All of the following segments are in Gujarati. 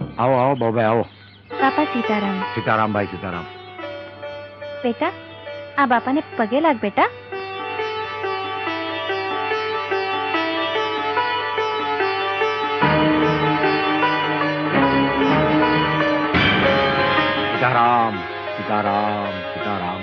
આવો આવો બાબાઈ આવો. બાપા સીતારામ. સીતારામ ભાઈ સીતારામ. બેટા આ બાપાને પગે લાગ બેટા. સીતારામ સીતારામ સીતારામ.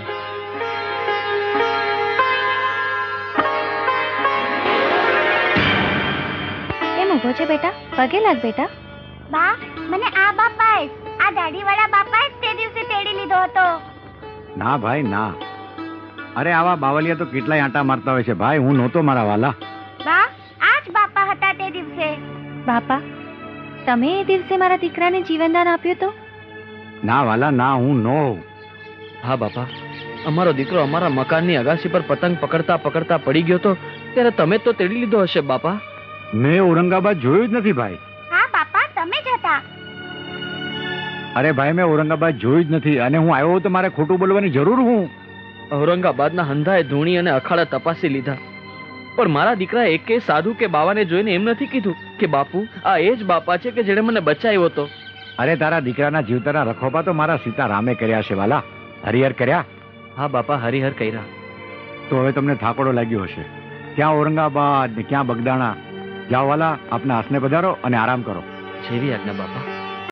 કેમ ઊભો છે બેટા? પગે લાગ બેટા. બા, મને આ બાપાએ આ દાઢીવાળા બાપાએ તે દિવસે તેડી લીધો હતો. ના ભાઈ ના. અરે આવા બાવલિયા તો કેટલાય આંટા મારતા હોય છે ભાઈ. હું નહોતો મારા વાલા. બા, આ જ બાપા હતા તે દિવસે. બાપા તમે એ દિવસે મારા દીકરાને જીવનદાન આપ્યું તો? ના વાલા ના, હું નો. હા બાપા, અમારો દીકરો અમારા મકાનની અગાસી પર પતંગ પકડતા પકડતા પડી ગયો તો ત્યારે તમે તો તેડી લીધો હશે બાપા. મેં ઔરંગાબાદ જોયું જ નથી ભાઈ. હા બાપા, તમે જ હતા. અરે ભાઈ મેં ઔરંગાબાદ જોયું જ નથી, અને હું આવ્યો તો મારે ખોટું બોલવાની જરૂર હું. ઔરંગાબાદના હંધાએ ધૂણી અને અખાડા તપાસી લીધા, પણ મારા દીકરા એકે સાધુ કે બાવાને જોઈને એમ નથી કીધું કે બાપુ આ એ જ બાપા છે કે જેણે મને બચાવ્યો હતો. અરે તારા દીકરાના જીવતાના રખોપા તો મારા સીતારામે કર્યા છે વાલા. હરિહર કર્યા. હા બાપા, હરિહર કર્યા. તો હવે તમને થાકોડો લાગ્યો હશે. ક્યાં ઔરંગાબાદ ને ક્યાં બગદાણા. જાઓ વાલા, આપના હાસને પધારો અને આરામ કરો. જેવી આજ્ઞા બાપા.